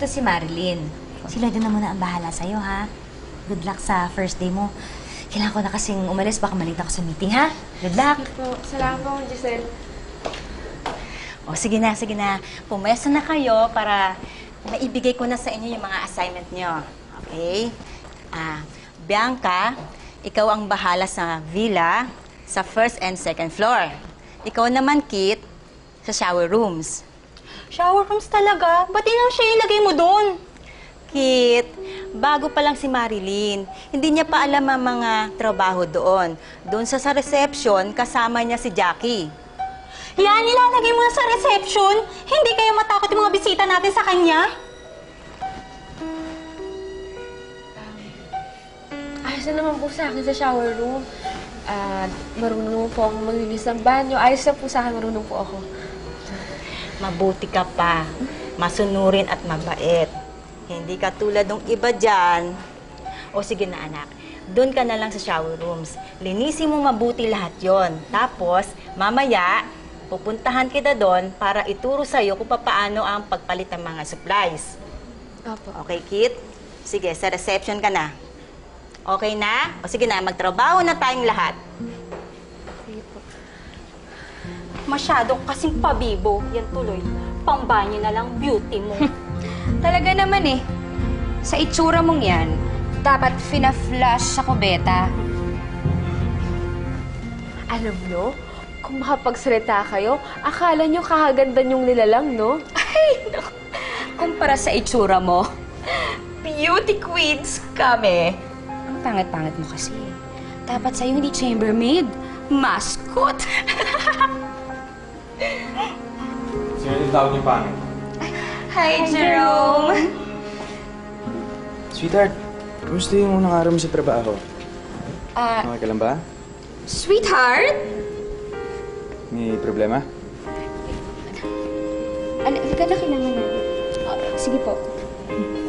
Ito si Marilyn. Sila din na muna ang bahala sa'yo, ha? Good luck sa first day mo. Kailangan ko na kasing umalis. Baka malita ako sa meeting, ha? Good luck! Salamat po, Giselle. O, sige na, sige na. Pumesa na kayo para maibigay ko na sa inyo yung mga assignment nyo. Okay? Bianca, ikaw ang bahala sa villa, sa first and second floor. Ikaw naman, Kit, sa shower rooms. Shower rooms talaga? Ba't yun siya ilagay mo doon? Kit, bago pa lang si Marilyn. Hindi niya pa alam ang mga trabaho doon. Doon sa reception, kasama niya si Jackie. Yan, nilalagay mo na sa reception? Hindi kayo matakot yung mga bisita natin sa kanya? Ayos na naman po sa akin sa shower room. Marunong po ako maglinis ng banyo. Ayos na po sa akin, marunong po ako. Mabuti ka pa. Masunurin at mabait. Hindi ka tulad ng iba dyan. O sige na anak, doon ka na lang sa shower rooms. Linisin mo mabuti lahat yon. Tapos, mamaya, pupuntahan kita doon para ituro sa'yo kung paano ang pagpalit ng mga supplies. Opo. Okay, Kit? Sige, sa reception ka na. Okay na? O sige na, magtrabaho na tayong lahat. Sige po. Masyado kasing pabibo. Yan tuloy. Pambanyo na lang beauty mo. Talaga naman eh. Sa itsura mong yan, dapat fina-flash sa kubeta. Alam nyo, kung makapagsalita kayo, akala nyo kakaganda nyong nilalang, no? Ay, naku. Kumpara sa itsura mo, beauty queens kami. Ang pangit-pangit mo kasi. Dapat sa'yo hindi chambermaid, mascot. Sino yung tawag niyo pangit? Hi, Jerome! Sweetheart, kumusta yung unang araw mo sa trabaho? Okay ka lang ba? Sweetheart? May problema? Ano, hindi ka na kailangan na. Sige po.